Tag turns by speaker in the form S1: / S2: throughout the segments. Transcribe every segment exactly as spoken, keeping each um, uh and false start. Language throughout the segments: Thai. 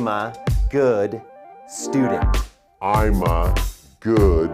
S1: I'm a good student
S2: I'm a good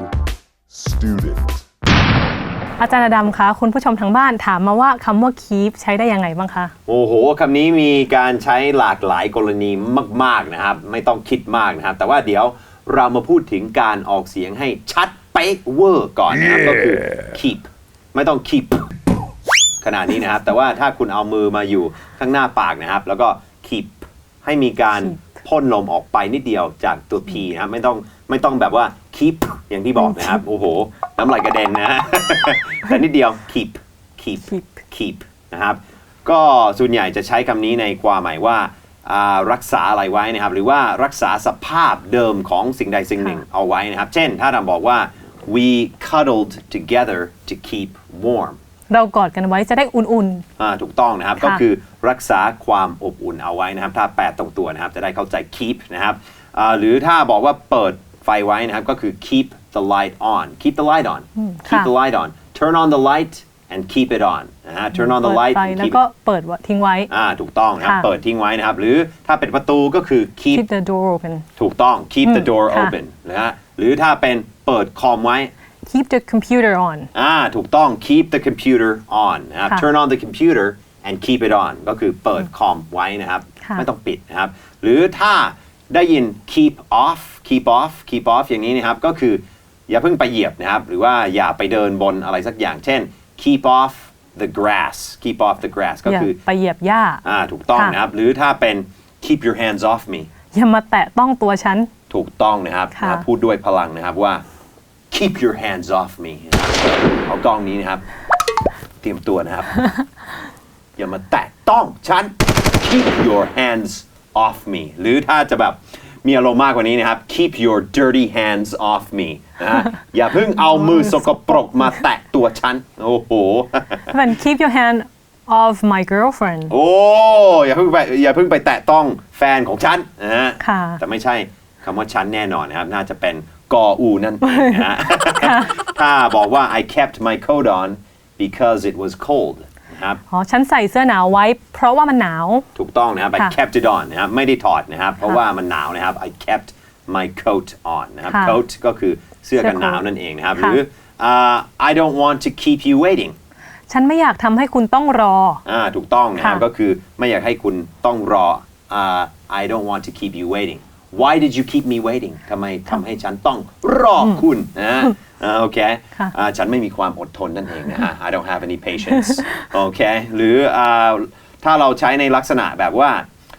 S2: student
S3: อาจารย์อดัมคะคุณผู้ชมทางบ้านถามมาว่าคำว่า keep ใช้ได้ยังไงบ้างคะ
S1: โอ้โหคำนี้มีการใช้หลากหลายกรณีมากๆนะครับไม่ต้องคิดมากนะครับแต่ว่าเดี๋ยวเรามาพูดถึงการออกเสียงให้ชัดเป๊ะเวอร์ก่อนนะครับ yeah. ก็คือ keep ไม่ต้อง keep ขนาดนี้นะครับแต่ว่าถ้าคุณเอามือมาอยู่ข้างหน้าปากนะครับแล้วก็ keep ให้มีการพ่นลมออกไปนิดเดียวจากตัว p นะครับไม่ต้องไม่ต้องแบบว่า keep อย่างที่บอกนะครับโอ้โหน้ำลายกระเด็นนะ แต่นิดเดียว keep keep keep นะครับก็ส่วนใหญ่จะใช้คำนี้ในความหมายว่ารักษาอะไรไว้นะครับหรือว่ารักษาสภาพเดิมของสิ่งใดสิ่งหนึ่งเอาไว้นะครับเช่นถ้าเราบอกว่า we cuddled together to keep warm
S3: เรากอดกันไว้จะได้อุ่นๆ
S1: อ่าถูกต้องนะครับก็คือรักษาความอบอุ่นเอาไว้นะครับถ้าแปลตรงตัวนะครับจะได้เข้าใจ keep นะครับหรือถ้าบอกว่าเปิดไฟไว้นะครับก็คือ keep the light on keep the light on keep the light on turn on the light and keep it on นะฮะ turn on the light
S3: แล้วก็เปิดทิ้งไว้
S1: อ่าถูกต้องนะครับเปิดทิ้งไว้นะครับหรือถ้าเป็นประตูก็คือ keep
S3: keep the door open
S1: ถูกต้อง keep the door open นะฮะหรือถ้าเป็นเปิดคอมไว้
S3: keep the computer on
S1: อ่าถูกต้อง keep the computer on นะครับ turn on the computer and keep it on ก็คือเปิดคอมไว้นะครับไม่ต้องปิดนะครับหรือถ้าได้ยิน keep off keep off keep off อย่างนี้นะครับก็คืออย่าเพิ่งไปเหยียบนะครับหรือว่าอย่าไปเดินบนอะไรสักอย่างเช่น keep off the grass keep off the grass ก็คือ
S3: ไปเหยียบหญ้า
S1: อ่าถูกต้องนะครับหรือถ้าเป็น keep your hands off me
S3: อย่ามาแตะต้องตัวฉัน
S1: ถูกต้องนะครับนะพูดด้วยพลังนะครับว่า keep your hands off me เอากล้องนี้นะครับเตรียมตัวนะครับ อย่ามาแตะต้องฉัน keep your hands off me หรือถ้าจะแบบมีอารมณ์มากกว่านี้นะครับ keep your dirty hands off me นะอย่าเพิ่งเอามือสกปรกมาแตะตัวฉันโอ้โห
S3: Then keep your hand off my girlfriend
S1: โอ้อย่าเพิ่งไปอย่าเพิ่งไปแตะต้องแฟนของฉันนะฮะแต่ไม่ใช่คำว่าฉันแน่นอนนะครับน่าจะเป็นกออูนั่นเองนะฮะ ถ้าบอกว่า I kept my coat on because it was cold
S3: อ๋อฉันใส่เสื้อหนาวไว้เพราะว่ามันหนาว
S1: ถูกต้องนะครับ I kept it on นะครับไม่ได้ถอดนะครับเพราะว่ามันหนาวนะครับ I kept my coat on นะครับ coat ก็คือเสื้อกันหนาวนั่นเองนะครับหรือ uh, I don't want to keep you waiting
S3: ฉันไม่อยากทำให้คุณต้องรอ
S1: อ่าถูกต้องนะครับก็คือไม่อยากให้คุณต้องรอ uh, I don't want to keep you waiting Why did you keep me waiting ทำไมทำให้ฉันต้องรอคุณนะโอเคฉันไม่มีความอดทนนั่นเองนะฮะ I don't have any patience โอเคหรือถ้าเราใช้ในลักษณะแบบว่า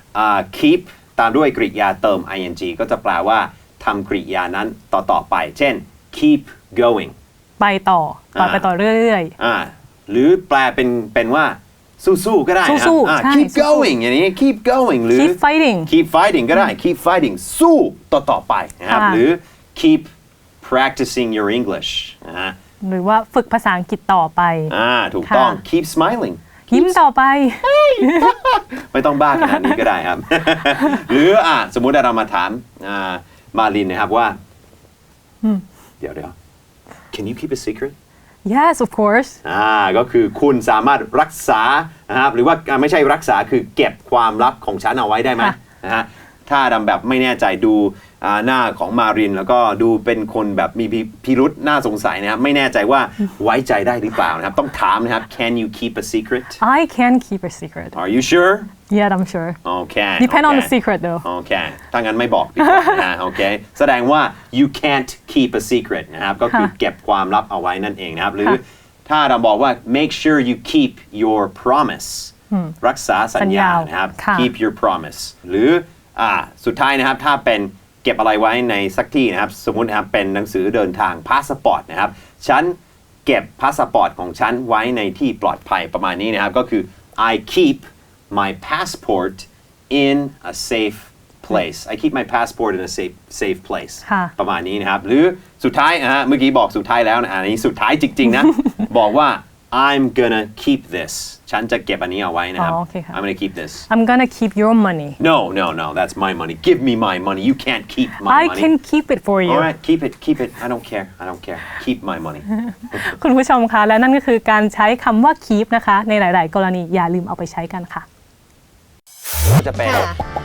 S1: keep ตามด้วยกริยาเติม ing ก็จะแปลว่าทำกริยานั้นต่อต่อไปเช่น keep going
S3: ไปต่อต่อไปต่อเรื่อย
S1: ๆหรือแปลเป็นเป็นว่าสู้ๆก็ได้นะ keep going อย่างนี้ keep going หรือ
S3: keep fighting
S1: keep fighting ก็ได้ keep fighting สู้ต่อต่อไปนะครับหรือ keep practicing your English นะฮะ
S3: หรือว่าฝึกภาษาอังกฤษต่อไป
S1: อ่าถูกต้อง keep smiling
S3: ยิ้มต่อไป
S1: ไม่ต้องบ้าขนาดนี้ก็ได้ครับ หรืออ่ะสมมุติเรามาถามมาลินนะครับว่าเดี๋ยวเดี๋ยว can you keep a secret
S3: Yes of course
S1: อ่าก็คือคุณสามารถรักษานะครับหรือว่าไม่ใช่รักษาคือเก็บความลับของฉันเอาไว้ได้ไหมนะฮะถ้าดำแบบไม่แน่ใจดูหน้าของมารินแล้วก็ดูเป็นคนแบบมีพิรุษน่าสงสัยนะครับไม่แน่ใจว่าไว้ใจได้หรือเปล่านะครับต้องถามนะครับ Can you keep a secret
S3: I can keep a secret
S1: Are you sure
S3: Yeah I'm sure
S1: Okay
S3: Depend on the secret though
S1: Okay ถ้างั้นไม่บอกดีกว่านะโอเคแสดงว่า you can't keep a secret นะครับก็คือเก็บความลับเอาไว้นั่นเองนะครับหรือถ้าเราบอกว่า make sure you keep your promise รักษาสัญญานะครับ keep your promise หรืออ่าสุดท้ายนะครับถ้าเป็นเก็บอะไรไว้ในสักที่นะครับสมมุตินะครับเป็นหนังสือเดินทางพาสปอร์ตนะครับฉันเก็บพาสปอร์ตของฉันไว้ในที่ปลอดภัยประมาณนี้นะครับก็คือ I keep my passport in a safe place I keep my passport in a safe safe place ประมาณนี้นะครับหรือสุดท้ายนะฮะเมื่อกี้บอกสุดท้ายแล้วนะอันนี้สุดท้ายจริงๆนะ บอกว่า I'm gonna keep this ฉันจะเก็บอันนี้เอาไว้นะครับ I'm gonna keep this
S3: I'm gonna keep your money
S1: No no no that's my money Give me my money You can't keep my
S3: I
S1: money
S3: I can keep it for you
S1: Alright keep it keep it I don't care I don't care Keep my money
S3: คุณผู้ชมคะและนั่นก็คือการใช้คำว่า keep นะคะในหลายๆกรณีอย่าลืมเอาไปใช้กันค่ะ
S1: จะเป็น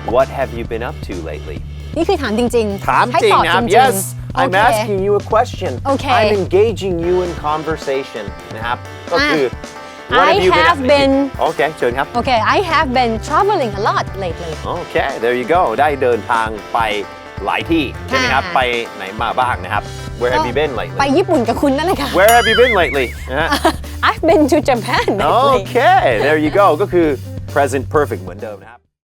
S1: What have you been up to lately
S4: นี่คือถามจริงๆ
S1: ถาม
S4: ให้
S1: จริง
S4: ตอบ
S1: นะครับ
S4: จริงๆ
S1: Yes
S4: โอ
S1: I'm
S4: เค
S1: asking you a question
S4: Okay.
S1: I'm engaging you in conversation นะครับก็คือ What
S4: I
S1: have you been
S4: have
S1: up to
S4: been
S1: โอเคเชิญครับ
S4: Okay I have been traveling a lot lately
S1: Okay there you go ได้เดินทางไปหลายที่ใช่ไหมครับ
S4: ค่ะ
S1: ไปไหนมาบ้างนะครับ Where have you been
S4: ไป
S1: lately
S4: ญี่ปุ่นกับคุณนั่นแหละค่ะ
S1: Where have you been lately นะฮะ
S4: I've been to Japan lately
S1: Okay there you go ก็คือ present perfect เหมือนเดิมนะครับ